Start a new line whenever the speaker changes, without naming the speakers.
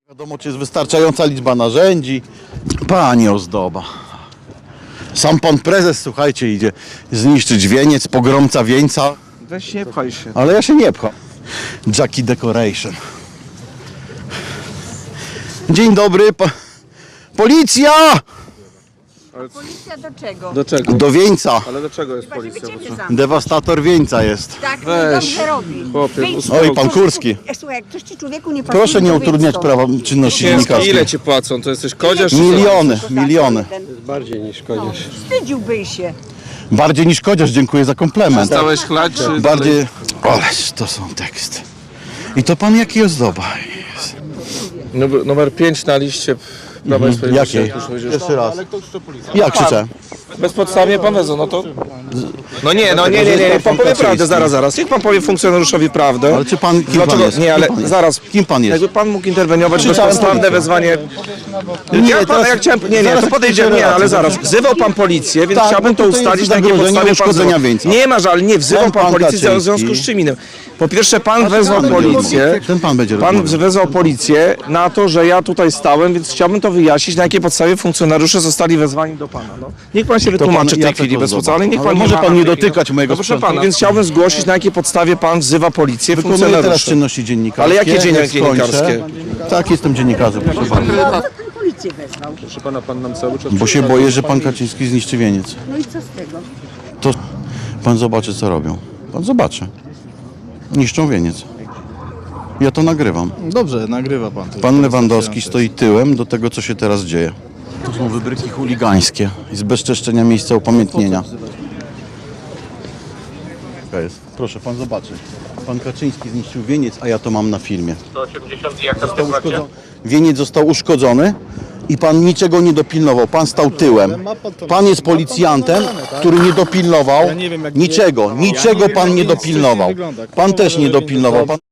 Wiadomo, czy jest wystarczająca liczba narzędzi. Pani ozdoba. Sam pan prezes, słuchajcie, idzie zniszczyć wieniec, pogromca wieńca.
Weź nie pchaj się.
Ale ja się nie pcham. Jackie Decoration. Dzień dobry. Policja!
Policja do czego?
Do czego?
Do wieńca.
Ale do czego jest
Chyba, żeby
policja?
ciebie zamknąć.
Dewastator wieńca jest.
Tak,
Weź.
dobrze robi.
Chłopie,
Wyjdź.
uspokój.
Oj, pan Kurski.
Słuchaj, jak ktoś ci człowieku nie pasuje,
Proszę nie
to wyjdź
utrudniać
stąd.
prawa czynności
Ciężko,
dziennikarskiej.
ile ci płacą? To jesteś kodziarz?
Miliony,
To za
miliony.
jeden.
Bardziej niż kodziarz.
Wstydziłbyś się.
Bardziej niż kodziarz, dziękuję za komplement.
Stałeś chlać, czy
Bardziej... Ależ to są teksty. I to pan jaki ozdoba.
Numer 5 na liście Prawa i Sprawiedliwości.
Jakiej?
jak już powiedziałeś.
Jeszcze raz. Ja krzyczę.
Bezpodstawnie pan wezwał, no to... No nie, pan powie prawdę, zaraz. Niech pan powie funkcjonariuszowi prawdę.
Ale czy pan... Kim
Dlaczego?
pan jest?
Nie, ale
Kim pan jest?
zaraz.
Kim pan jest?
Jakby pan mógł interweniować,
Krzyczałem
bezpodstawne
policję.
wezwanie...
Nie,
Ja, pan,
teraz-
ja chciałem... Nie,
zaraz
to podejdziemy,
krzyczę
nie, ale
relację.
zaraz. Wzywał pan policję, więc
Tak,
chciałbym
bo
to
tutaj
ustalić,
jest
na jakiej
zagrożenie
podstawie pan
uszkodzenia
wzywał.
wieńca.
Nie ma żal, nie wzywał
Ten
pan
pan
policji w
Kaczyński.
związku z czym innym. Po pierwsze, pan wezwał
będzie
policję.
rozmawiał. Ten pan będzie
Pan
rozmawiał.
wezwał policję na to, że ja tutaj stałem, więc chciałbym to wyjaśnić, na jakiej podstawie funkcjonariusze zostali wezwani do pana. No. Niech pan się wytłumaczy w tej
Jacek
chwili bez
Ozdoba.
podstawy, niech
Ale
pan
może
ma
pan
na
nie
tej
dotykać mojego
No proszę
sprzętu.
pana, więc chciałbym zgłosić, na jakiej podstawie pan wzywa policję,
Wykonuję teraz
funkcjonariuszy.
czynności dziennikarskie.
Ale jakie
Jak
dziennikarskie?
skończę- Tak, jestem dziennikarzem, proszę pana.
Pan policję wezwał.
Proszę pana, pan nam cały czas...
Bo się boję, że pan Kaczyński zniszczy wieniec.
No i co z tego?
To pan zobaczy, co robią. Pan zobaczy. Niszczą wieniec. Ja to nagrywam.
Dobrze, nagrywa pan.
Pan Lewandowski stoi tyłem do tego, co się teraz dzieje. To są wybryki chuligańskie i zbezczeszczenia miejsca upamiętnienia. Proszę pan zobaczyć. Pan Kaczyński zniszczył wieniec, a ja to mam na filmie.
180 i jak tam sytuacja?
Wieniec został uszkodzony i pan niczego nie dopilnował. Pan stał tyłem. Pan jest policjantem, który nie dopilnował niczego. Niczego pan nie dopilnował. Pan też nie dopilnował. Pan